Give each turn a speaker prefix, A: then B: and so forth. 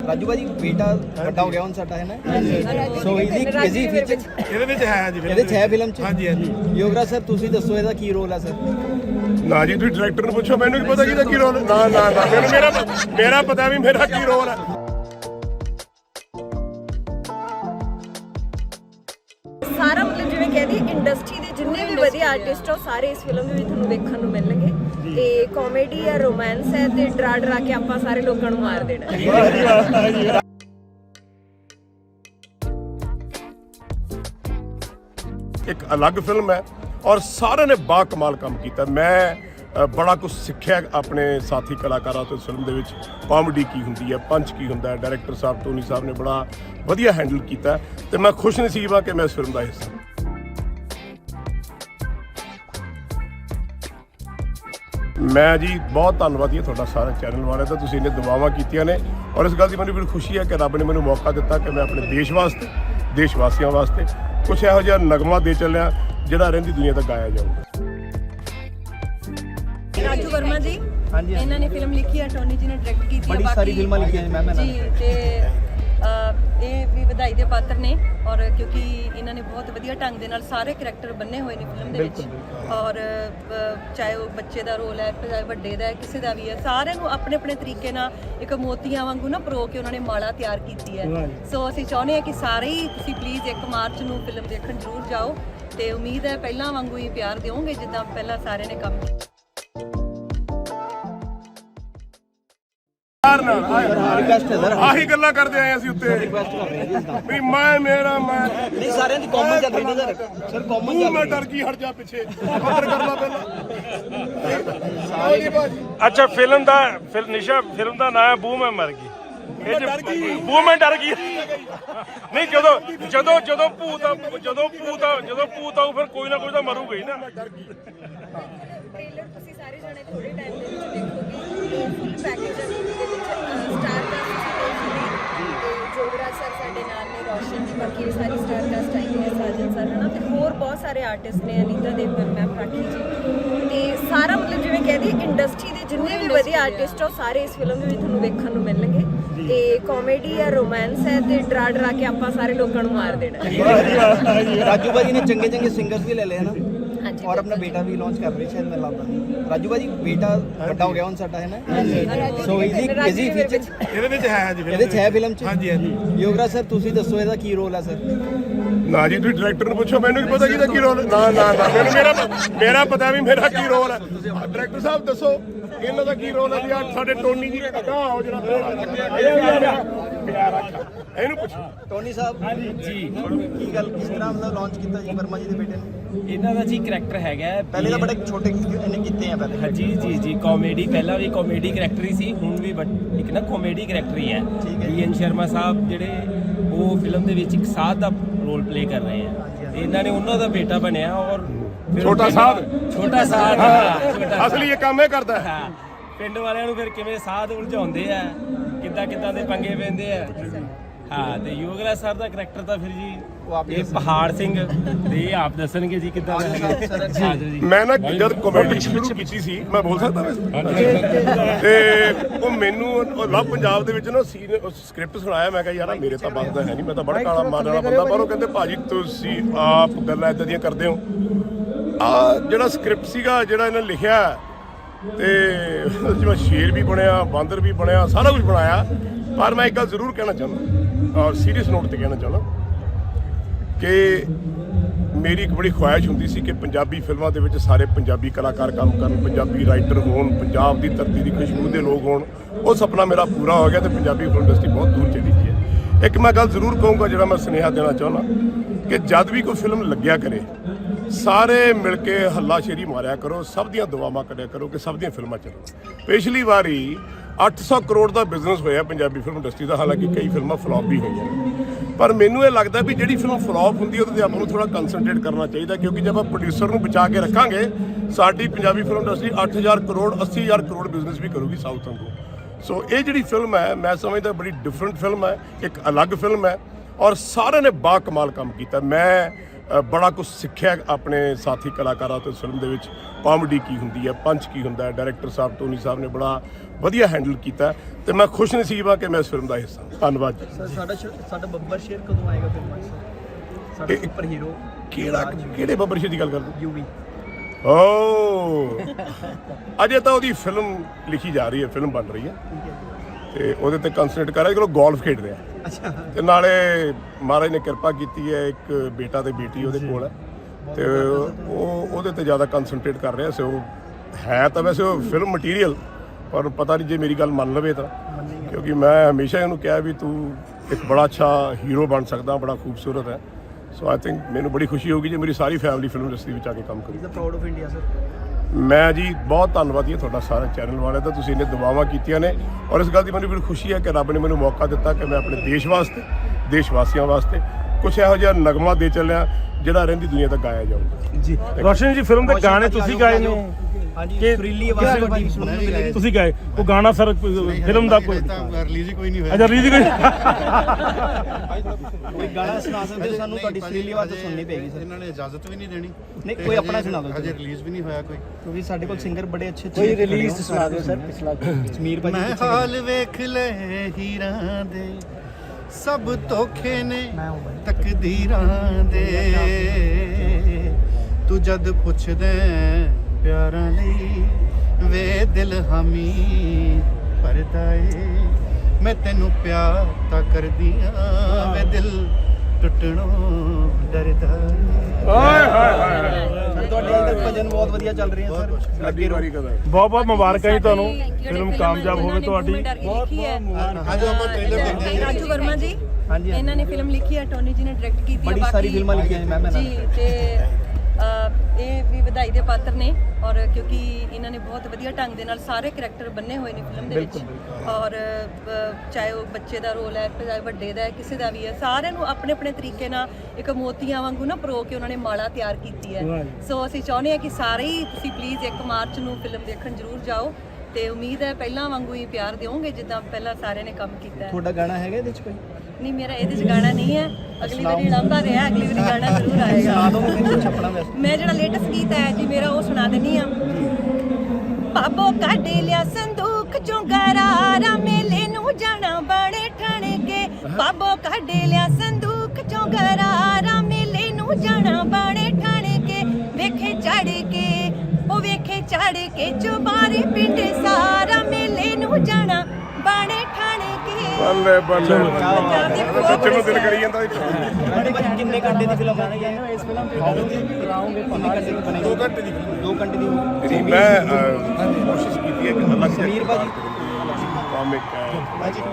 A: ਰਾਜੂ ਭਾਜੀ ਬੇਟਾ ਵੱਡਾ ਹੋ ਗਿਆ ਹੁਣ ਸਾਡਾ ਹੈ ਨਾ ਸੋ ਇਜ਼ੀ ਫਿਊਚਰ
B: ਇਹਦੇ ਵਿੱਚ ਹੈ ਜੀ
A: ਇਹਦੇ 6 ਫਿਲਮ ਚ
B: ਹਾਂਜੀ ਹਾਂਜੀ
A: ਯੋਗਰਾਜ ਸਰ ਤੁਸੀਂ ਦੱਸੋ ਇਹਦਾ ਕੀ ਰੋਲ ਹੈ ਸਰ
B: ਨਾ ਜੀ ਤੁਸੀਂ ਡਾਇਰੈਕਟਰ ਨੂੰ ਪੁੱਛੋ ਮੈਨੂੰ ਕੀ ਪਤਾ ਕਿਹਦਾ ਕੀ ਰੋਲ ਨਾ ਨਾ ਨਾ ਮੈਨੂੰ ਮੇਰਾ ਪਤਾ ਵੀ ਮੇਰਾ ਕੀ ਰੋਲ ਹੈ
C: ਸਾਰਾ ਮਤਲਬ ਜਿਵੇਂ ਕਹਿੰਦੀ ਇੰਡਸਟਰੀ ਦੇ ਜਿੰਨੇ ਵੀ ਵਧੀਆ ਆਰਟਿਸਟ ਆ ਉਹ ਸਾਰੇ ਇਸ ਫਿਲਮ ਦੇ ਵਿੱਚ ਤੁਹਾਨੂੰ ਦੇਖਣ ਨੂੰ ਮਿਲਣਗੇ ਤੇ ਕਾਮੇਡੀ ਹੈ ਰੋਮਾਂਸ ਹੈ ਤੇ ਡਰਾ ਡਰਾ ਕੇ ਆਪਾਂ ਸਾਰੇ ਲੋਕਾਂ ਨੂੰ ਮਾਰ ਦੇਣਾ
B: ਇੱਕ ਅਲੱਗ ਫਿਲਮ ਹੈ ਔਰ ਸਾਰਿਆਂ ਨੇ ਬਾ ਕਮਾਲ ਕੰਮ ਕੀਤਾ ਮੈਂ ਬੜਾ ਕੁਝ ਸਿੱਖਿਆ ਆਪਣੇ ਸਾਥੀ ਕਲਾਕਾਰਾਂ ਤੋਂ ਫਿਲਮ ਦੇ ਵਿੱਚ ਕਾਮੇਡੀ ਕੀ ਹੁੰਦੀ ਹੈ ਪੰਚ ਕੀ ਹੁੰਦਾ ਹੈ ਡਾਇਰੈਕਟਰ ਸਾਹਿਬ ਟੋਨੀ ਸਾਹਿਬ ਨੇ ਬੜਾ ਵਧੀਆ ਹੈਂਡਲ ਕੀਤਾ ਤੇ ਮੈਂ ਖੁਸ਼ ਨਸੀਬ ਹਾਂ ਕਿ ਮੈਂ ਇਸ ਫਿਲਮ ਦਾ ਹਿੱਸਾ ਮੈਂ ਜੀ ਬਹੁਤ ਧੰਨਵਾਦੀ ਹਾਂ ਤੁਹਾਡਾ ਸਾਰਾ ਚੈਨਲ ਵਾਲਿਆਂ ਦਾ ਤੁਸੀਂ ਇੰਨੇ ਦੁਆਵਾਂ ਕੀਤੀਆਂ ਨੇ ਔਰ ਇਸ ਗੱਲ ਦੀ ਮੈਨੂੰ ਬੜੀ ਖੁਸ਼ੀ ਹੈ ਕਿ ਰੱਬ ਨੇ ਮੈਨੂੰ ਮੌਕਾ ਦਿੱਤਾ ਕਿ ਮੈਂ ਆਪਣੇ ਦੇਸ਼ ਵਾਸਤੇ ਦੇਸ਼ ਵਾਸੀਆਂ ਵਾਸਤੇ ਕੁਛ ਇਹੋ ਜਿਹਾ ਨਗਮਾ ਦੇ ਚੱਲਿਆ ਜਿਹੜਾ ਰਹਿੰਦੀ ਦੁਨੀਆ ਤੱਕ ਗਾਇਆ ਜਾਊਗਾ
C: ਰਾਜੂ ਵਰਮਾ ਜੀ
A: ਹਾਂਜੀ
C: ਇਹਨਾਂ ਨੇ ਫਿਲਮ ਲਿਖੀ ਹੈ ਟੋਨੀ ਜੀ ਨੇ ਡਾਇਰੈਕਟ ਕੀਤੀ ਹੈ
A: ਬੜੀ ਸਾਰੀ ਫਿਲਮਾਂ ਲਿਖੀਆਂ ਨੇ ਮੈਂ
C: ਜੀ ਤੇ ਇਹ ਵੀ ਵਧਾਈ ਦੇ ਪਾਤਰ ਨੇ ਔਰ ਕਿਉਂਕਿ ਇਹਨਾਂ ਨੇ ਬਹੁਤ ਵਧੀਆ ਢੰਗ ਦੇ ਨਾਲ ਸਾਰੇ ਕਰੈਕਟਰ ਬੰਨੇ ਹੋਏ ਨੇ ਫਿਲਮ ਦੇ ਵਿੱਚ ਔਰ ਚਾਹੇ ਉਹ ਬੱਚੇ ਦਾ ਰੋਲ ਹੈ ਚਾਹੇ ਵੱਡੇ ਦਾ ਹੈ ਕਿਸੇ ਦਾ ਵੀ ਹੈ ਸਾਰਿਆਂ ਨੂੰ ਆਪਣੇ ਆਪਣੇ ਤਰੀਕੇ ਨਾਲ ਇੱਕ ਮੋਤੀਆਂ ਵਾਂਗੂ ਨਾ ਪਰੋ ਕੇ ਉਹਨਾਂ ਨੇ ਮਾਲਾ ਤਿਆਰ ਕੀਤੀ ਹੈ ਸੋ ਅਸੀਂ ਚਾਹੁੰਦੇ ਹਾਂ ਕਿ ਸਾਰੇ ਹੀ ਤੁਸੀਂ ਪਲੀਜ਼ 1 ਮਾਰਚ ਨੂੰ ਫਿਲਮ ਦੇਖਣ ਜ਼ਰੂਰ ਜਾਓ ਤੇ ਉਮੀਦ ਹੈ ਪਹਿਲਾਂ ਵਾਂਗੂ ਹੀ ਪਿਆਰ ਦਿਓਗੇ ਜਿੱਦਾਂ ਪਹਿਲਾਂ ਸਾਰਿਆਂ ਨੇ ਕੰਮ ਕੀਤਾ
B: ਆਹੀ ਗੱਲਾਂ ਕਰਦੇ ਆਏ ਅਸੀਂ ਉੱਤੇ ਵੀ ਮੈਂ ਮੇਰਾ ਮੈਂ
A: ਨਹੀਂ ਸਾਰਿਆਂ ਦੀ ਕਾਮਨ ਚੱਲ ਰਹੀ ਹੈ ਸਰ ਕਾਮਨ ਚੱਲ
B: ਮੈਂ ਡਰ ਗਈ ਹਟ ਜਾ ਪਿੱਛੇ ਪੱਤਰ ਕਰ ਲਾ ਪਹਿਲਾਂ
D: ਅੱਛਾ ਫਿਲਮ ਦਾ ਨਿਸ਼ਾ ਫਿਲਮ ਦਾ ਨਾਮ ਹੈ ਬੂ ਮੈਂ ਮਰ ਗਈ ਇਹ ਬੂ ਮੈਂ ਡਰ ਗਈ ਨਹੀਂ ਜਦੋਂ ਭੂਤ ਆਊ ਫਿਰ ਕੋਈ ਨਾ ਕੋਈ ਤਾਂ ਮਰੂਗਾ ਹੀ ਨਾ
C: ਟ੍ਰੇਲਰ ਤੁਸੀਂ ਸਾਰੇ ਜਾਣੇ ਥੋੜੇ ਟਾਈਮ ਦੇ ਵਿੱਚ ਦੇਖੋਗੇ ਫੁੱਲ ਪੈਕੇਜ ਦੇ ਵਿੱਚ ਸਟਾਰ ਕਾਸਟ ਜੋਗਰਾਜ ਸਰ ਸਾਡੇ ਨਾਲ ਨੇ ਰੋਸ਼ਨ ਜੀ ਬਾਕੀ ਸਾਰੀ ਸਟਾਰ ਕਾਸਟ ਆਈ ਹੈ ਸਾਜਨ ਸਰ ਹਨਾ ਤੇ ਹੋਰ ਬਹੁਤ ਸਾਰੇ ਆਰਟਿਸਟ ਨੇ ਅਨੀਤਾ ਦੇਵਗਨ ਮੈਮ ਰਾਖੀ ਜੀ ਤੇ ਸਾਰਾ ਮਤਲਬ ਜਿਵੇਂ ਕਹਿੰਦੀ ਇੰਡਸਟਰੀ ਦੇ ਜਿੰਨੇ ਵੀ ਵਧੀਆ ਆਰਟਿਸਟ ਆ ਉਹ ਸਾਰੇ ਇਸ ਫਿਲਮ ਦੇ ਵਿੱਚ ਤੁਹਾਨੂੰ ਦੇਖਣ ਨੂੰ ਮਿਲਣਗੇ ਤੇ ਕਾਮੇਡੀ ਹੈ ਰੋਮਾਂਸ ਹੈ ਤੇ ਡਰਾ ਡਰਾ ਕੇ ਆਪਾਂ ਸਾਰੇ ਲੋਕਾਂ ਨੂੰ ਮਾਰ ਦੇਣਾ
A: ਰਾਜੂ ਭਾਜੀ ਨੇ ਚੰਗੇ ਚੰਗੇ ਸਿੰਗਰਸ ਵੀ ਲੈ ਲਏ ਹਨ
C: ਹਾਂਜੀ
A: और अपना बेटा भी लॉन्च कर रही है मैं लाता राजू भाजी बेटा ਵੱਡਾ ਹੋ ਗਿਆ ਹੁਣ ਸਾਡਾ ਹੈ ਨਾ ਸੋ ਇਜ਼ੀ ਫਿਊਚਰ
B: ਇਹਦੇ ਵਿੱਚ ਹੈ ਜੀ
A: ਇਹਦੇ 6 ਫਿਲਮ ਚ
B: ਹਾਂਜੀ ਹਾਂਜੀ
A: ਯੋਗਰਾਜ ਸਰ ਤੁਸੀਂ ਦੱਸੋ ਇਹਦਾ ਕੀ ਰੋਲ ਹੈ ਸਰ
B: ਨਾ ਜੀ ਤੁਸੀਂ ਡਾਇਰੈਕਟਰ ਨੂੰ ਪੁੱਛੋ ਮੈਨੂੰ ਕੀ ਪਤਾ ਕਿਹਦਾ ਕੀ ਰੋਲ ਨਾ ਨਾ ਨਾ ਮੈਨੂੰ ਮੇਰਾ ਪਤਾ ਵੀ ਮੇਰਾ ਕੀ ਰੋਲ ਹੈ ਡਾਇਰੈਕਟਰ ਸਾਹਿਬ ਦੱਸੋ ਇਹਨਾਂ ਦਾ ਕੀ ਰੋਲ ਹੈ ਜੀ ਸਾਡੇ ਟੋਨੀ ਜੀ ਅਗਾ ਆਓ ਜਿਹੜਾ ਪਿਆਰ ਆਖਾ ਇਹਨੂੰ ਪੁੱਛੋ
A: ਟੋਨੀ ਸਾਹਿਬ ਜੀ ਕੀ ਗੱਲ ਕਿਸ ਤਰ੍ਹਾਂ ਮਤਲਬ ਲਾਂਚ ਕੀਤਾ ਜੀ ਵਰਮਾ ਜੀ ਦੇ ਬੇਟੇ ਨੇ
E: ਇਹਨਾਂ ਦਾ ਜੀ ਕਰੈਕਟਰ ਹੈਗਾ
A: ਪਹਿਲੇ ਤਾਂ ਬੜੇ ਛੋਟੇ ਇਹਨੇ ਕੀਤੇ ਆ ਪਹਿਲੇ
E: ਜੀ ਕਾਮੇਡੀ ਪਹਿਲਾਂ ਵੀ ਕਾਮੇਡੀ ਕਰੈਕਟਰ ਹੀ ਸੀ ਹੁਣ ਵੀ ਇੱਕ ਨਾ ਕਾਮੇਡੀ ਕਰੈਕਟਰ ਹੀ ਹੈ ਬੀਐਨ ਸ਼ਰਮਾ ਸਾਹਿਬ ਜਿਹੜੇ ਉਹ ਫਿਲਮ ਦੇ ਵਿੱਚ ਇੱਕ ਸਾਧ ਦਾ ਰੋਲ ਪਲੇ ਕਰ ਰਹੇ ਆ ਇਹਨਾਂ ਨੇ ਉਹਨਾਂ ਦਾ ਬੇਟਾ ਬਣਿਆ ਔਰ
B: ਛੋਟਾ ਸਾਧ ਅਸਲੀ ਇਹ ਕੰਮ ਇਹ ਕਰਦਾ ਹੈ
E: ਪਿੰਡ ਵਾਲਿਆਂ ਨੂੰ ਫਿਰ ਕਿਵੇਂ ਸਾਧ ਉਲਝਾਉਂਦੇ ਆ ਕਿੱਦਾਂ ਦੇ ਪੰਗੇ ਪੈਂਦੇ ਆ ਹਾਂ ਤੇ ਯੋਗਰਾਜ ਸਰ ਦਾ ਕਰੈਕਟਰ ਤਾਂ ਫਿਰ ਜੀ ਇਹ ਪਹਾੜ ਸਿੰਘ ਤੇ ਇਹ ਆਪ ਦੱਸਣਗੇ ਜੀ ਕਿੱਦਾਂ ਦਾ ਹੈਗਾ
B: ਮੈਂ ਨਾ ਜਦ ਕਾਮੇਡੀ ਸ਼ੁਰੂ ਕੀਤੀ ਸੀ ਮੈਂ ਬੋਲ ਸਕਦਾ ਤੇ ਉਹ ਮੈਨੂੰ ਲਵ ਪੰਜਾਬ ਦੇ ਵਿੱਚ ਨਾ ਸਕ੍ਰਿਪਟ ਸੁਣਾਇਆ ਮੈਂ ਕਿਹਾ ਯਾਰ ਮੇਰੇ ਤਾਂ ਬਣਦਾ ਹੈ ਨਹੀਂ ਮੈਂ ਤਾਂ ਬੜਾ ਕਾਲਾ ਮਾਰਨ ਵਾਲਾ ਬੰਦਾ ਪਰ ਉਹ ਕਹਿੰਦੇ ਭਾਜੀ ਤੁਸੀਂ ਆਪ ਗੱਲਾਂ ਇਦਾਂ ਦੀਆਂ ਕਰਦੇ ਹੋ ਆ ਜਿਹੜਾ ਸਕ੍ਰਿਪਟ ਸੀਗਾ ਜਿਹੜਾ ਇਹਨਾਂ ਲਿਖਿਆ ਤੇ ਜਿਵੇਂ ਸ਼ੇਰ ਵੀ ਬਣਿਆ ਬਾਂਦਰ ਵੀ ਬਣਿਆ ਸਾਰਾ ਕੁਝ ਬਣਾਇਆ ਪਰ ਮੈਂ ਇੱਕ ਗੱਲ ਜ਼ਰੂਰ ਕਹਿਣਾ ਚਾਹੁੰਦਾ ਔਰ ਸੀਰੀਅਸ ਨੋਟ ਤੇ ਕਹਿਣਾ ਚਾਹੁੰਦਾ ਕਿ ਮੇਰੀ ਇੱਕ ਬੜੀ ਖੁਆਇਸ਼ ਹੁੰਦੀ ਸੀ ਕਿ ਪੰਜਾਬੀ ਫਿਲਮਾਂ ਦੇ ਵਿੱਚ ਸਾਰੇ ਪੰਜਾਬੀ ਕਲਾਕਾਰ ਕੰਮ ਕਰਨ ਪੰਜਾਬੀ ਰਾਈਟਰ ਹੋਣ ਪੰਜਾਬ ਦੀ ਧਰਤੀ ਦੀ ਖੁਸ਼ਬੂ ਦੇ ਲੋਕ ਹੋਣ ਉਹ ਸੁਪਨਾ ਮੇਰਾ ਪੂਰਾ ਹੋ ਗਿਆ ਤੇ ਪੰਜਾਬੀ ਫਿਲਮ ਇੰਡਸਟਰੀ ਬਹੁਤ ਦੂਰ ਚਲੀ ਗਈ ਹੈ ਇੱਕ ਮੈਂ ਗੱਲ ਜ਼ਰੂਰ ਕਹੂੰਗਾ ਜਿਹੜਾ ਮੈਂ ਸੁਨੇਹਾ ਦੇਣਾ ਚਾਹੁੰਦਾ ਕਿ ਜਦ ਵੀ ਕੋਈ ਫਿਲਮ ਲੱਗਿਆ ਕਰੇ ਸਾਰੇ ਮਿਲ ਕੇ ਹੱਲਾਸ਼ੇਰੀ ਮਾਰਿਆ ਕਰੋ ਸਭ ਦੀਆਂ ਦੁਆਵਾਂ ਕਰਿਆ ਕਰੋ ਕਿ ਸਭ ਦੀਆਂ ਫਿਲਮਾਂ ਚੱਲਣ ਪਿਛਲੀ ਵਾਰੀ 800 ਕਰੋੜ ਦਾ ਬਿਜ਼ਨਸ ਹੋਇਆ ਪੰਜਾਬੀ ਫਿਲਮ ਇੰਡਸਟਰੀ ਦਾ ਹਾਲਾਂਕਿ ਕਈ ਫਿਲਮਾਂ ਫਲॉप ਵੀ ਹੋਈਆਂ ਨੇ ਪਰ ਮੈਨੂੰ ਇਹ ਲੱਗਦਾ ਵੀ ਜਿਹੜੀ ਫਿਲਮ ਫਲॉप ਹੁੰਦੀ ਹੈ ਉਹਦੇ ਤੇ ਆਪਾਂ ਨੂੰ ਥੋੜਾ ਕਨਸੈਂਟਰੇਟ ਕਰਨਾ ਚਾਹੀਦਾ ਕਿਉਂਕਿ ਜੇ ਆਪਾਂ ਪ੍ਰੋਡਿਊਸਰ ਨੂੰ ਬਚਾ ਕੇ ਰੱਖਾਂਗੇ ਸਾਡੀ Punjabi film industry 8000 crore 80000 crore business ਵੀ ਕਰੂਗੀ ਸਾਊਥ ਵਾਂਗੂ ਸੋ ਇਹ ਜਿਹੜੀ ਫਿਲਮ ਹੈ ਮੈਂ ਸਮਝਦਾ ਬੜੀ ਡਿਫਰੈਂਟ ਫਿਲਮ ਹੈ ਇੱਕ ਅਲੱਗ ਫਿਲਮ ਹੈ ਔਰ ਸਾਰਿਆਂ ਨੇ ਬਾ ਕਮਾਲ ਕੰਮ ਕੀਤਾ ਮੈਂ ਬੜਾ ਕੁਝ ਸਿੱਖਿਆ ਆਪਣੇ ਸਾਥੀ ਕਲਾਕਾਰਾਂ ਤੋਂ। ਇਸ ਫਿਲਮ ਦੇ ਵਿੱਚ ਕਾਮੇਡੀ ਕੀ ਹੁੰਦੀ ਹੈ, ਪੰਚ ਕੀ ਹੁੰਦਾ ਹੈ, ਡਾਇਰੈਕਟਰ ਸਾਹਿਬ ਟੋਨੀ ਸਾਹਿਬ ਨੇ ਬੜਾ ਵਧੀਆ ਹੈਂਡਲ ਕੀਤਾ ਤੇ ਮੈਂ ਖੁਸ਼ ਨਸੀਬ ਹਾਂ ਕਿ ਮੈਂ ਇਸ ਫਿਲਮ ਦਾ ਹਿੱਸਾ। ਧੰਨਵਾਦ ਜੀ।
A: ਸਰ ਸਾਡਾ ਬੱਬਰ ਸ਼ੇਰ ਕਦੋਂ ਆਏਗਾ ਫਿਲਮਾਂ 'ਚ? ਸਾਡਾ ਸੁਪਰ ਹੀਰੋ
B: ਕਿਹੜੇ ਬੱਬਰ ਸ਼ੇਰ ਦੀ ਗੱਲ ਕਰਦੇ?
A: ਯੂਵੀ।
B: ਓ ਅਜੇ ਤਾਂ ਉਹਦੀ ਫਿਲਮ ਲਿਖੀ ਜਾ ਰਹੀ ਹੈ, ਫਿਲਮ ਬਣ ਰਹੀ ਹੈ ਤੇ ਉਹਦੇ ਤੇ ਕਨਸੈਂਟਰੇਟ ਕਰ ਰਿਹਾ। ਚਲੋ ਗੋਲਫ ਖੇਡ ਰਿਹਾ
A: ਅੱਛਾ।
B: ਤੇ ਨਾਲੇ ਮਹਾਰਾਜ ਨੇ ਕਿਰਪਾ ਕੀਤੀ ਹੈ, ਇੱਕ ਬੇਟਾ ਤੇ ਬੇਟੀ ਉਹਦੇ ਕੋਲ ਹੈ ਤੇ ਉਹ ਉਹਦੇ ਤੇ ਜ਼ਿਆਦਾ ਕਨਸੈਂਟਰੇਟ ਕਰ ਰਿਹਾ। ਸੋ ਹੈ ਤਾਂ ਵੈਸੇ ਉਹ ਫਿਲਮ ਮਟੀਰੀਅਲ, ਪਰ ਪਤਾ ਨਹੀਂ ਜੇ ਮੇਰੀ ਗੱਲ ਮੰਨ ਲਵੇ ਤਾਂ, ਕਿਉਂਕਿ ਮੈਂ ਹਮੇਸ਼ਾ ਇਹਨੂੰ ਕਿਹਾ ਵੀ ਤੂੰ ਇੱਕ ਬੜਾ ਅੱਛਾ ਹੀਰੋ ਬਣ ਸਕਦਾ, ਬੜਾ ਖੂਬਸੂਰਤ ਹੈ। ਸੋ ਆਈ ਥਿੰਕ ਮੈਨੂੰ ਬੜੀ ਖੁਸ਼ੀ ਹੋਊਗੀ ਜੇ ਮੇਰੀ ਸਾਰੀ ਫੈਮਿਲੀ ਫਿਲਮ ਇੰਡਸਟਰੀ ਵਿੱਚ ਆ ਕੇ ਕੰਮ ਕਰੇ।
A: Is proud of India sir.
B: ਮੈਂ ਜੀ ਬਹੁਤ ਧੰਨਵਾਦੀ ਹਾਂ ਤੁਹਾਡਾ ਸਾਰਾ ਚੈਨਲ ਵਾਲਿਆਂ ਦਾ, ਤੁਸੀਂ ਇੰਨੇ ਦੁਆਵਾਂ ਕੀਤੀਆਂ ਨੇ ਔਰ ਇਸ ਗੱਲ ਦੀ ਮੈਨੂੰ ਬੜੀ ਖੁਸ਼ੀ ਹੈ ਕਿ ਰੱਬ ਨੇ ਮੈਨੂੰ ਮੌਕਾ ਦਿੱਤਾ ਕਿ ਮੈਂ ਆਪਣੇ ਦੇਸ਼ ਵਾਸਤੇ, ਦੇਸ਼ ਵਾਸੀਆਂ ਵਾਸਤੇ ਕੁਛ ਇਹੋ ਜਿਹਾ ਨਗਮਾ ਦੇ ਚੱਲਿਆ ਜਿਹੜਾ ਰਹਿੰਦੀ ਦੁਨੀਆ ਤੱਕ ਗਾਇਆ ਜਾਊਗਾ
A: ਜੀ।
D: ਰੋਸ਼ਨ ਜੀ ਫਿਲਮ ਦੇ ਗਾਣੇ ਤੁਸੀਂ ਗਾਏ ਨੇ
A: ਹਾਂਜੀ,
D: ਕਿ
A: ਸੁਰੀਲੀ ਆਵਾਜ਼ ਤੁਹਾਡੀ ਸੁਣਨ ਨੂੰ ਮਿਲੇਗੀ।
D: ਤੁਸੀਂ ਗਾਏ ਉਹ ਗਾਣਾ ਸਰ ਫਿਲਮ ਦਾ ਕੋਈ
F: ਰਿਲੀਜ਼ ਹੀ ਕੋਈ ਨਹੀਂ ਹੋਇਆ।
D: ਅੱਛਾ ਰਿਲੀਜ਼ ਕੋਈ
A: ਕੋਈ ਗਾਣਾ ਸੁਣਾ ਸਕਦੇ ਹੋ ਸਾਨੂੰ? ਤੁਹਾਡੀ ਸੁਰੀਲੀ ਆਵਾਜ਼ ਤਾਂ ਸੁਣਨੀ ਪਏਗੀ ਸਰ।
F: ਇਹਨਾਂ ਨੇ ਇਜਾਜ਼ਤ ਵੀ ਨਹੀਂ ਦੇਣੀ।
A: ਨਹੀਂ, ਕੋਈ ਆਪਣਾ ਸੁਣਾ ਦਿਓ
F: ਅਜੇ ਰਿਲੀਜ਼ ਵੀ ਨਹੀਂ ਹੋਇਆ ਕੋਈ।
A: ਕਿਉਂਕਿ ਸਾਡੇ ਕੋਲ ਸਿੰਗਰ ਬੜੇ ਅੱਛੇ ਕੋਈ ਰਿਲੀਜ਼ ਸੁਣਾ ਦਿਓ ਸਰ। ਪਿਛਲਾ ਸਮੀਰ ਭਾਜੀ
F: ਮੈਂ ਹਾਲ ਵੇਖ ਲੈ ਹੀਰਾਂ ਦੇ, ਸਭ ਧੋਖੇ ਨੇ ਤਕਦੀਰਾਂ ਦੇ। ਤੂੰ ਜਦ ਪੁੱਛਦੇ ਪਿਆਰਾਂ ਲਈ ਵੇ ਦਿਲ ਹਾਮੀ ਭਰਦਾ ਏ। ਮੈਂ ਤੈਨੂੰ ਪਿਆਰ ਤਾਂ ਕਰਦੀਆਂ ਵੇ ਦਿਲ ਟੁੱਟਣੋਂ ਡਰਦਾ ਏ।
D: ਓਏ ਹੋਏ ਹੋਏ
A: ਸਰ ਤੁਹਾਡੇ ਅੰਦਰ ਭਜਨ ਬਹੁਤ ਵਧੀਆ ਚੱਲ ਰਹੇ ਹਨ ਸਰ।
B: ਅੱਗੇ ਵਾਰੀ ਕਦਾ
D: ਬਹੁਤ ਬਹੁਤ ਮੁਬਾਰਕਾਂ ਜੀ ਤੁਹਾਨੂੰ, ਫਿਲਮ ਕਾਮਯਾਬ ਹੋਵੇ ਤੁਹਾਡੀ।
C: ਬਹੁਤ
F: ਅੱਜ ਆਪਾਂ ਟ੍ਰੇਲਰ ਦੇਖਦੇ ਹਾਂ।
C: ਰਾਜੂ ਵਰਮਾ ਜੀ,
A: ਹਾਂਜੀ।
C: ਇਹਨਾਂ ਨੇ ਫਿਲਮ ਲਿਖੀ ਹੈ, ਟੋਨੀ ਜੀ ਨੇ ਡਾਇਰੈਕਟ ਕੀਤੀ ਹੈ।
A: ਬੜੀ ਸਾਰੀ ਫਿਲਮਾਂ ਲਿਖੀਆਂ ਨੇ ਮੈਮ ਇਹਨਾਂ ਨੇ।
C: ਜੀ ਤੇ ਇਹ ਵੀ ਵਧਾਈ ਦੇ ਪਾਤਰ ਨੇ ਔਰ ਕਿਉਂਕਿ ਇਹਨਾਂ ਨੇ ਬਹੁਤ ਵਧੀਆ ਢੰਗ ਦੇ ਨਾਲ ਸਾਰੇ ਕਰੈਕਟਰ ਬੰਨੇ ਹੋਏ ਨੇ ਫਿਲਮ ਦੇ ਵਿੱਚ ਔਰ ਚਾਹੇ ਉਹ ਬੱਚੇ ਦਾ ਰੋਲ ਹੈ, ਚਾਹੇ ਵੱਡੇ ਦਾ ਹੈ, ਕਿਸੇ ਦਾ ਵੀ ਹੈ, ਸਾਰਿਆਂ ਨੂੰ ਆਪਣੇ ਆਪਣੇ ਤਰੀਕੇ ਨਾਲ ਇੱਕ ਮੋਤੀਆਂ ਵਾਂਗੂ ਨਾ ਪਰੋ ਕੇ ਉਹਨਾਂ ਨੇ ਮਾਲਾ ਤਿਆਰ ਕੀਤੀ ਹੈ। ਸੋ ਅਸੀਂ ਚਾਹੁੰਦੇ ਹਾਂ ਕਿ ਸਾਰੇ ਹੀ ਤੁਸੀਂ ਪਲੀਜ਼ 1 ਮਾਰਚ ਨੂੰ ਫਿਲਮ ਦੇਖਣ ਜ਼ਰੂਰ ਜਾਓ ਤੇ ਉਮੀਦ ਹੈ ਪਹਿਲਾਂ ਵਾਂਗੂ ਹੀ ਪਿਆਰ ਦਿਓਗੇ ਜਿੱਦਾਂ ਪਹਿਲਾਂ ਸਾਰਿਆਂ ਨੇ ਕੰਮ ਕੀਤਾ ਹੈ।
A: ਤੁਹਾਡਾ ਗਾਣਾ ਹੈਗਾ ਇਹਦੇ 'ਚ ਕੋਈ?
C: ਨਹੀਂ, ਮੇਰਾ ਇਹਦੇ 'ਚ ਗਾਣਾ ਨਹੀਂ ਹੈ, ਅਗਲੀ ਵਾਰੀ ਲਾਂਭਾ ਰਿਹਾ, ਅਗਲੀ ਵਾਰੀ ਗਾਣਾ ਜ਼ਰੂਰ ਆਏਗਾ।
A: ਸੁਣਾ ਦਿਓ ਮੈਨੂੰ ਕੁਛ ਆਪਣਾ ਵੈਸੇ।
C: ਮੈਂ ਜਿਹੜਾ ਲੇਟੈਸਟ ਗੀਤ ਆਇਆ ਜੀ ਮੇਰਾ ਉਹ ਸੁਣਾ ਦਿੰਨੀ ਆ। ਬਾਬੋ ਕੱਢ ਲਿਆ ਸੰਦੂਕ ਚੋਂ ਗਰਾਰਾ, ਮੇਲੇ ਨੂੰ ਜਾਣਾ ਬਣੇ ਠਣ ਕੇ। ਬਾਬੋ ਕੱਢ ਲਿਆ ਸੰਦੂਕ ਚੋਂ ਗਰਾਰਾ, ਮੇਲੇ ਨੂੰ ਜਾਣਾ ਬਣੇ ਠਣ ਕੇ। ਵੇਖੇ ਚੜ ਕੇ ਉਹ ਵੇਖੇ ਚੜ ਕੇ ਚੁਬਾਰੇ ਪਿੰਡ ਸਾਰਾ, ਮੇਲੇ ਨੂੰ ਜਾਣਾ ਬਣੇ ਠਣ ਕੇ।
B: ਬੱਲੇ ਬੱਲੇ
C: ਪੰਜਾਬ ਦੀ
B: ਸੱਚ ਨੂੰ ਦਿਲ ਕਰੀ ਜਾਂਦਾ।
A: ਮੈਡਮ ਭਾਜੀ ਕਿੰਨੇ ਘੰਟੇ ਦੀ ਫਿਲਮ ਬਣੀ ਹੈ ਇਸ ਫਿਲਮ ਤੇ? ਕਰਾਉਂਗੇ 2 ਘੰਟੇ ਦੀ ਬਣੀ।
B: 2 ਘੰਟੇ ਦੀ
A: 2 ਘੰਟੇ ਦੀ
B: ਨਹੀਂ, ਮੈਂ ਕੋਸ਼ਿਸ਼ ਕੀਤੀ ਹੈ ਕਿ ਅਲੱਗ
A: ਸਮੀਰ ਭਾਜੀ
B: ਕਾਮਿਕ